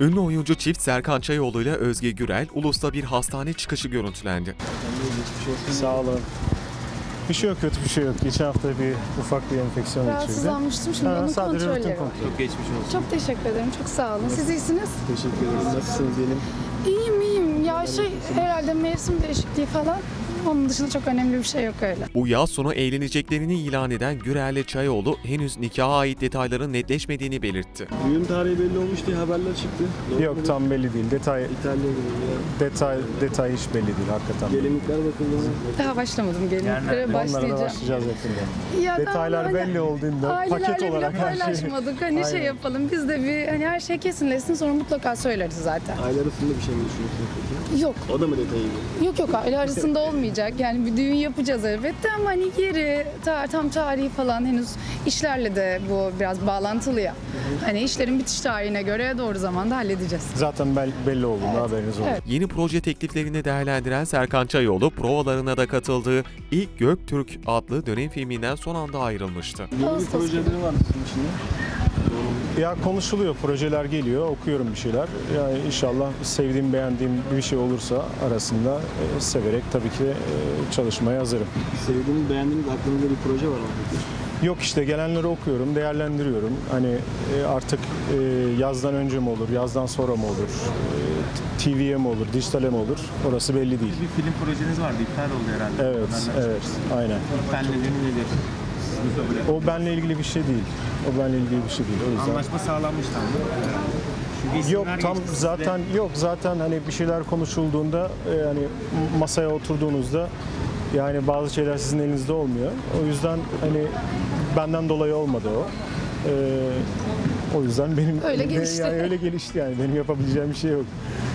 Ünlü oyuncu çift Serkan Çayoğlu ile Özge Gürel, Ulus'ta bir hastane çıkışı görüntülendi. Sağ olun. Bir şey yok, kötü bir şey yok. Geçen hafta bir ufak bir enfeksiyon geçirdi. Rahatsızlanmıştım, şimdi onun Sadece rutin kontrolleri var. kontrol. Çok geçmiş olsun. Çok teşekkür ederim, çok sağ olun. Siz iyisiniz? Teşekkür ederim. Nasılsınız diyelim? İyiyim. Ya herhalde mevsim değişikliği falan. Onun dışında çok önemli bir şey yok öyle. Bu yaz sonu eğleneceklerini ilan eden Gürel ile Çayoğlu henüz nikaha ait detayların netleşmediğini belirtti. Düğün tarihi belli olmuş diye haberler çıktı. Doğru Yok, mu? tam belli değil. İtalya'ya gidiyor. Detay hiç belli değil hakikaten. Gelinlikler bakıldı mı? Daha başlamadım, gelinliklere Onlara da başlayacağım. başlayacağız yakında. Ya daha Detaylar böyle belli olduğunda paket ailelerle bile olarak her şey. paylaşmadık. Hani Aynen. yapalım, biz de bir her şey kesinleşsin, sonra mutlaka söyleriz zaten. Aile arasında bir şey mi düşünüyorsunuz peki? Yok. O da mı detayı? Yok aile arasında olmayacak. Yani bir düğün yapacağız elbette ama hani yeri, tam tarihi falan henüz işlerle de bu biraz bağlantılı ya. Hani işlerin bitiş tarihine göre doğru zamanda halledeceğiz. Zaten belli olduğunda haberiniz olur. Evet. Yeni proje tekliflerini değerlendiren Serkan Çayoğlu, provalarına da katıldığı İlk Göktürk adlı dönem filminden son anda ayrılmıştı. Yeni bir Ağustos projeleri var sizin içinde. Ya konuşuluyor, projeler geliyor, okuyorum bir şeyler. Yani inşallah sevdiğim, beğendiğim bir şey olursa arasında severek tabii ki çalışmaya hazırım. Sevdiğiniz, beğendiğiniz aklınızda bir proje var mı peki? Yok işte gelenleri okuyorum, değerlendiriyorum. Hani artık yazdan önce mi olur, yazdan sonra mı olur, TV'ye mi olur, dijitale mi olur orası belli değil. Bir film projeniz vardı, iptal oldu herhalde. Evet, aynen. İptal nedeni nedir? Siz mi kabul ettiniz? O benle ilgili bir şey değil. O benle ilgili bir şey değil. O yüzden. Anlaşma sağlanmıştı ama. Çünkü Yok isimler tam geçti sizde. zaten hani bir şeyler konuşulduğunda hani masaya oturduğunuzda yani bazı şeyler sizin elinizde olmuyor. O yüzden hani benden dolayı olmadı o. O yüzden benim Öyle gelişti. Yani öyle gelişti yani benim yapabileceğim bir şey yok.